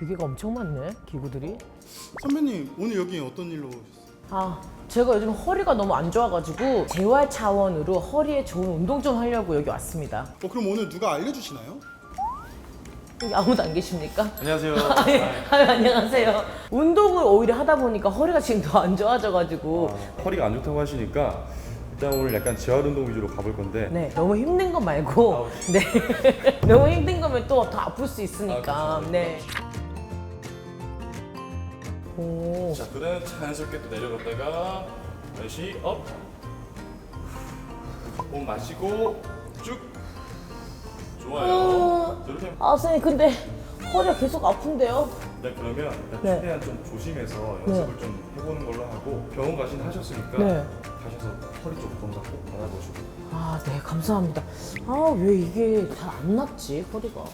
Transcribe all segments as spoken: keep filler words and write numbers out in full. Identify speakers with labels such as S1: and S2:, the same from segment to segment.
S1: 기계가 엄청 많네, 기구들이.
S2: 선배님 오늘 여기 어떤 일로 오셨어요?
S1: 아, 제가 요즘 허리가 너무 안 좋아가지고 재활 차원으로 허리에 좋은 운동 좀 하려고 여기 왔습니다.
S2: 어 그럼 오늘 누가 알려주시나요?
S1: 여기 아무도 안 계십니까?
S3: 안녕하세요.
S1: 아, 예. 아, 안녕하세요. 운동을 오히려 하다 보니까 허리가 지금 더 안 좋아져가지고
S3: 아, 허리가 안 좋다고 하시니까 일단 오늘 약간 재활 운동 위주로 가볼 건데.
S1: 네, 너무 힘든 거 말고 네 너무 힘든 거면 또 더 아플 수 있으니까.
S3: 아, 그렇죠.
S1: 네. 오.
S3: 자, 그다음 자연스럽게 또 내려갔다가 다시 업. 호흡 마시고 쭉. 좋아요. 이렇게.
S1: 아, 선생님 근데 허리가 계속 아픈데요?
S3: 네, 그러면 일단
S1: 네.
S3: 최대한 좀 조심해서 연습을 좀 해보는 걸로 하고 병원 가신 하셨으니까
S1: 네.
S3: 가셔서 허리 쪽 검사 꼭 받아보시고.
S1: 아, 네, 감사합니다. 아, 왜 이게 잘 안 낫지, 허리가?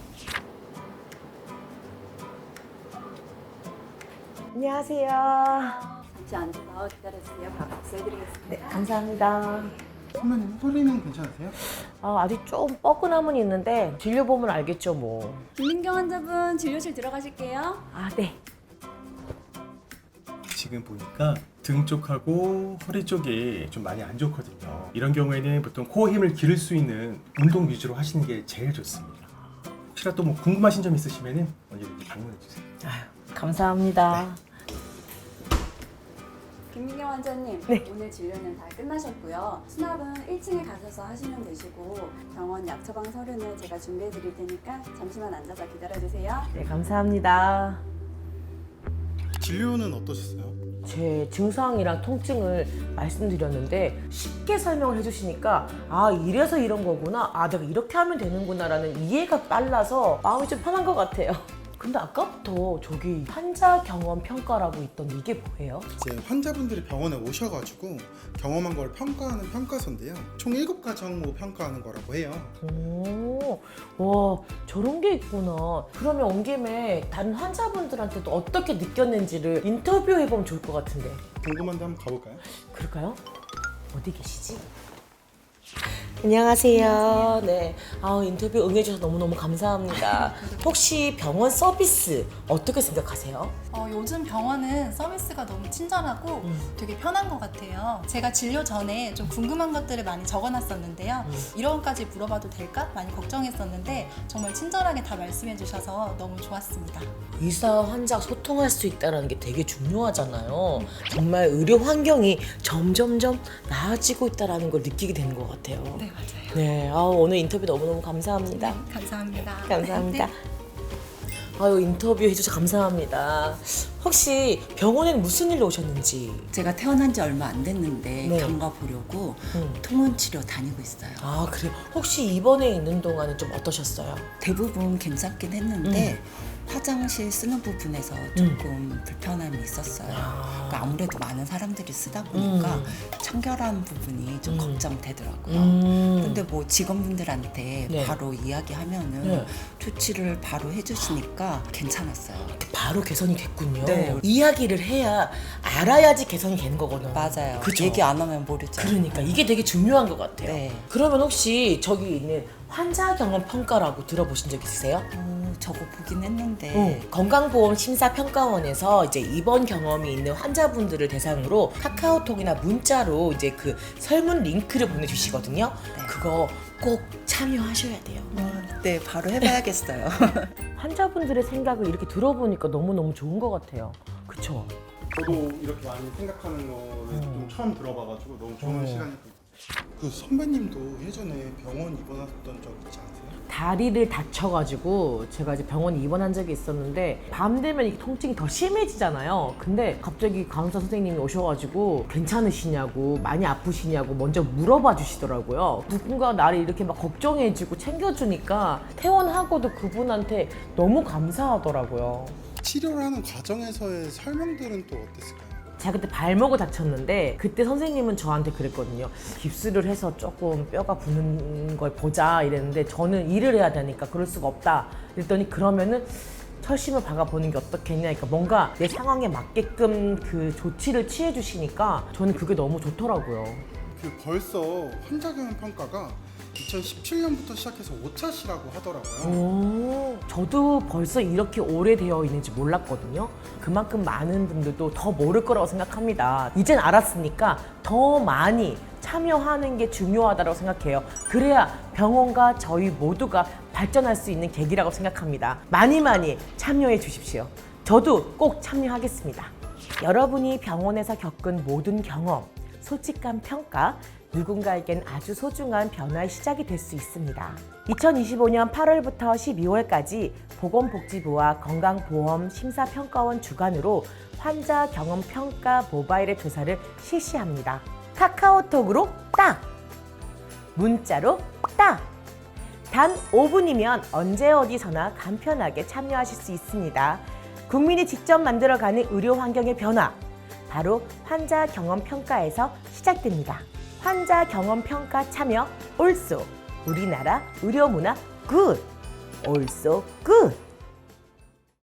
S1: 안녕하세요.
S4: 잠시 앉아서 기다려주세요. 바로 박수해드리겠습니다.
S1: 네, 감사합니다.
S2: 선배님 소리는 괜찮으세요?
S1: 아, 아직 좀 뻐근함은 있는데 진료보면 알겠죠, 뭐.
S4: 김민경 환자분 진료실 들어가실게요.
S1: 아, 네.
S5: 지금 보니까 등 쪽하고 허리 쪽이 좀 많이 안 좋거든요. 이런 경우에는 보통 코어 힘을 기를 수 있는 운동 위주로 하시는 게 제일 좋습니다. 혹시라도 뭐 궁금하신 점 있으시면 언제든지 방문해 주세요.
S1: 아유, 감사합니다.
S4: 김민경 환자님,
S1: 네.
S4: 오늘 진료는 다 끝나셨고요. 수납은 일 층에 가셔서 하시면 되시고 병원 약 처방 서류는 제가 준비해드릴 테니까 잠시만 앉아서 기다려주세요.
S1: 네, 감사합니다.
S2: 진료는 어떠셨어요?
S1: 제 증상이랑 통증을 말씀드렸는데 쉽게 설명을 해주시니까 아, 이래서 이런 거구나, 아, 내가 이렇게 하면 되는구나 라는 이해가 빨라서 마음이 좀 편한 것 같아요. 근데 아까부터 저기 환자 경험 평가라고 있던 이게 뭐예요?
S2: 이제 환자분들이 병원에 오셔가지고 경험한 걸 평가하는 평가서인데요. 총 일곱 가지 항목 평가하는 거라고 해요.
S1: 오, 와, 저런 게 있구나. 그러면 온 김에 다른 환자분들한테도 어떻게 느꼈는지를 인터뷰해보면 좋을 것 같은데.
S2: 궁금한데 한번 가볼까요?
S1: 그럴까요? 어디 계시지? 안녕하세요. 네. 아, 인터뷰 응해주셔서 너무너무 감사합니다. 혹시 병원 서비스 어떻게 생각하세요?
S6: 어, 요즘 병원은 서비스가 너무 친절하고
S1: 음.
S6: 되게 편한 것 같아요. 제가 진료 전에 좀 궁금한 것들을 많이 적어놨었는데요.
S1: 음.
S6: 이런 것까지 물어봐도 될까? 많이 걱정했었는데 정말 친절하게 다 말씀해 주셔서 너무 좋았습니다.
S1: 의사, 환자 소통할 수 있다는 게 되게 중요하잖아요. 정말 의료 환경이 점점점 나아지고 있다는 걸 느끼게 되는 것 같아요.
S6: 네, 맞아요.
S1: 네, 아, 오늘 인터뷰 너무너무 감사합니다.
S6: 감사합니다.
S1: 감사합니다.
S6: 네.
S1: 아유, 인터뷰 해주셔서 감사합니다. 혹시 병원에는 무슨 일로 오셨는지?
S7: 제가 태어난 지 얼마 안 됐는데
S1: 네.
S7: 경과 보려고
S1: 음.
S7: 통원 치료 다니고 있어요.
S1: 아, 그래요? 혹시 입원해 있는 동안은 좀 어떠셨어요?
S7: 대부분 괜찮긴 했는데 화장실 쓰는 부분에서 조금 불편함이 있었어요.
S1: 아.
S7: 그러니까 아무래도 많은 사람들이 쓰다 보니까
S1: 음.
S7: 청결한 부분이 좀
S1: 음.
S7: 걱정되더라고요.
S1: 음.
S7: 근데 뭐 직원분들한테
S1: 네.
S7: 바로 이야기하면은
S1: 네.
S7: 조치를 바로 해주시니까 괜찮았어요.
S1: 바로 개선이 됐군요.
S7: 네.
S1: 이야기를 해야 알아야지 개선이 되는 거거든요.
S7: 맞아요.
S1: 그쵸?
S7: 얘기 안 하면 모르죠.
S1: 그러니까 이게 되게 중요한 것 같아요.
S7: 네.
S1: 그러면 혹시 저기 있는 환자 경험 평가라고 들어보신 적 있으세요?
S7: 어, 저거 보긴 했는데
S1: 어, 건강보험 심사평가원에서 이제 입원 경험이 있는 환자분들을 대상으로 카카오톡이나 문자로 이제 그 설문 링크를 보내주시거든요.
S7: 네.
S1: 그거 꼭 참여하셔야 돼요.
S7: 어, 네, 바로 해봐야겠어요.
S1: 환자분들의 생각을 이렇게 들어보니까 너무너무 좋은 것 같아요. 그쵸?
S2: 저도 이렇게 많이 생각하는 거를 좀 처음 들어봐가지고 너무 좋은
S1: 어.
S2: 시간이었어요. 그 선배님도 예전에 병원 입원하셨던 적 있지 않으세요?
S1: 다리를 다쳐가지고 제가 이제 병원에 입원한 적이 있었는데 밤 되면 이 통증이 더 심해지잖아요. 근데 갑자기 간호사 선생님이 오셔가지고 괜찮으시냐고, 많이 아프시냐고 먼저 물어봐 주시더라고요. 누군가 나를 이렇게 막 걱정해주고 챙겨주니까 퇴원하고도 그분한테 너무 감사하더라고요.
S2: 치료를 하는 과정에서의 설명들은 또 어땠을까요?
S1: 제가 그때 발목을 다쳤는데 그때 선생님은 저한테 그랬거든요. 깁스를 해서 조금 뼈가 붙는 걸 보자 이랬는데 저는 일을 해야 되니까 그럴 수가 없다. 그랬더니 그러면은 철심을 박아보는 게 어떻겠냐. 그러니까 뭔가 내 상황에 맞게끔 그 조치를 취해 주시니까 저는 그게 너무 좋더라고요.
S2: 그 벌써 환자 경험 평가가 이천십칠 년부터 시작해서 오 차시라고 하더라고요.
S1: 오, 저도 벌써 이렇게 오래되어 있는지 몰랐거든요. 그만큼 많은 분들도 더 모를 거라고 생각합니다. 이젠 알았으니까 더 많이 참여하는 게 중요하다고 생각해요. 그래야 병원과 저희 모두가 발전할 수 있는 계기라고 생각합니다. 많이 많이 참여해 주십시오. 저도 꼭 참여하겠습니다. 여러분이 병원에서 겪은 모든 경험, 솔직한 평가, 누군가에겐 아주 소중한 변화의 시작이 될 수 있습니다. 이천이십오 년 팔월부터 십이월까지 보건복지부와 건강보험심사평가원 주관으로 환자 경험 평가 모바일 앱 조사를 실시합니다. 카카오톡으로 딱! 문자로 딱! 단 오 분이면 언제 어디서나 간편하게 참여하실 수 있습니다. 국민이 직접 만들어가는 의료 환경의 변화, 바로 환자 경험 평가에서 시작됩니다. 환자 경험 평가 참여 올쏘 우리나라 의료 문화 굿! 올쏘 굿!